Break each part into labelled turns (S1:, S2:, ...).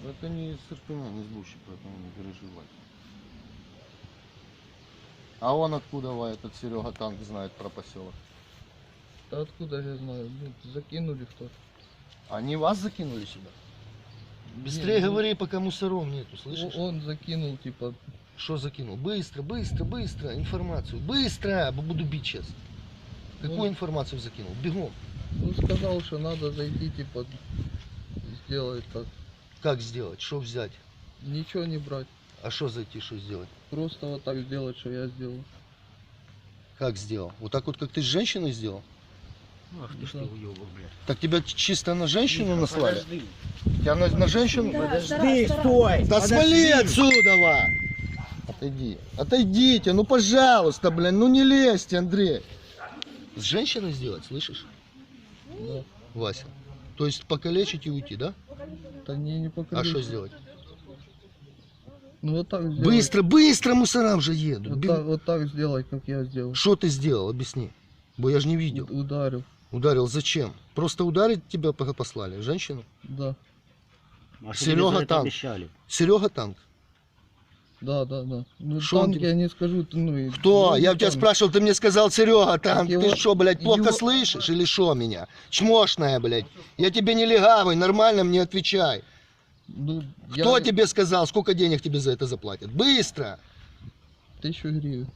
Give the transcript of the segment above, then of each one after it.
S1: Это не из Ирпеня, не из Бучи, поэтому не переживай. А он откуда, этот Серега Танк знает про поселок?
S2: Да откуда я знаю? Ну, закинули кто-то.
S1: Они вас закинули сюда? Быстрее
S2: Не, ну,
S1: говори, пока мусоров нету, слышишь?
S2: Он закинул, типа,
S1: Что закинул? Быстро, быстро, быстро информацию. Быстро! Буду бить сейчас. Какую
S2: Он-
S1: информацию закинул? Бегом.
S2: ну, сказал, что надо зайти, типа, сделать так.
S1: Как сделать? Что взять?
S2: Ничего не брать.
S1: А что зайти, что сделать?
S2: Просто вот так сделать, что я сделал.
S1: Как сделал? Вот так вот, как ты с женщиной сделал?
S3: Ах ты что, уёбок, блядь.
S1: Так тебя чисто на женщину наслали?
S3: Подожди.
S1: Тебя на женщину?
S3: Подожди, стой!
S1: Да
S3: Подожди.
S1: свали отсюда! Ва! Отойди. Отойдите, ну пожалуйста, блин, ну не лезьте, Андрей. С женщиной сделать, слышишь?
S2: Да.
S1: Вася. То есть покалечить и уйти, да?
S2: Да не
S1: А
S2: покажи.
S1: что сделать?
S2: Ну вот так сделать.
S1: Быстро, быстро, мусорам же едут.
S2: Вот так сделать, как я сделал.
S1: Что ты сделал? Объясни. Бо я же не видел.
S2: Ударил.
S1: Ударил зачем? Просто ударить тебя послали? Женщину?
S2: Да.
S3: А что
S1: Серега
S3: тебе за это
S1: Танк.
S3: обещали?
S1: Серега Танк.
S2: Да. Ну,
S1: Шо он
S2: танки
S1: тебе-
S2: я не скажу, ну и...
S1: Кто?
S2: ну,
S1: Я у тебя
S2: там.
S1: спрашивал, ты мне сказал Серега Танк.
S2: его-
S1: Ты что, блядь, плохо
S2: его-
S1: слышишь или что меня? Чмошная, блядь. Я тебе не легавый, нормально мне отвечай.
S2: Ну,
S1: Кто тебе сказал, сколько денег тебе за это заплатят? Быстро!
S2: 1000 гривен.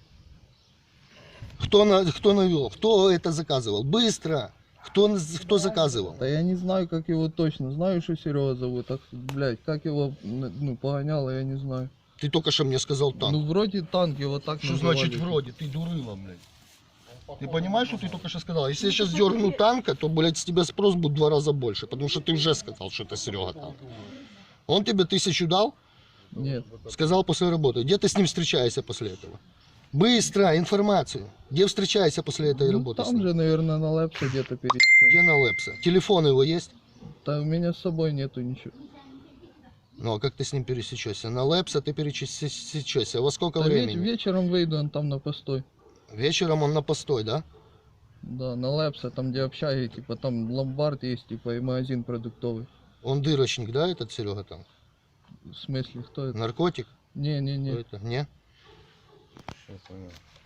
S1: Кто навел? Кто это заказывал? Быстро! Кто заказывал?
S2: Да я не знаю, как его точно. Знаю, что Серега зовут. Так, блядь, как его, ну, погоняло, я не знаю.
S1: Ты только что мне сказал танк.
S2: Ну, вроде танк его так
S1: Что
S2: называли.
S1: значит вроде? Ты дурыла, блядь. Ты понимаешь, что ты только что сказал? Если я сейчас дергну танка, то, блядь, с тебя спрос будет в 2 раза больше. Потому что ты уже сказал, что это Серега Танк. Он тебе 1000 дал?
S2: Нет.
S1: Сказал после работы. Где ты с ним встречаешься после этого? Быстро, информацию. Где встречаешься после этой
S2: Ну,
S1: работы? с
S2: там
S1: ним?
S2: же, наверное, на лэпсе где-то пересечем.
S1: Где на Лепса? Телефон его есть?
S2: Да у меня с собой нету ничего.
S1: Ну, а как ты с ним пересечешься? На Лепса ты пересечешься. Во сколько
S2: Да
S1: времени?
S2: вечером выйду, он там на постой.
S1: Вечером он на постой, да?
S2: Да, на лэпсе, там где общаги, типа там ломбард есть, типа и магазин продуктовый.
S1: Он дырочник, да, этот Серега там?
S2: В смысле, кто это?
S1: Наркотик?
S2: Не.
S1: Кто это? Не?
S3: Все, понял.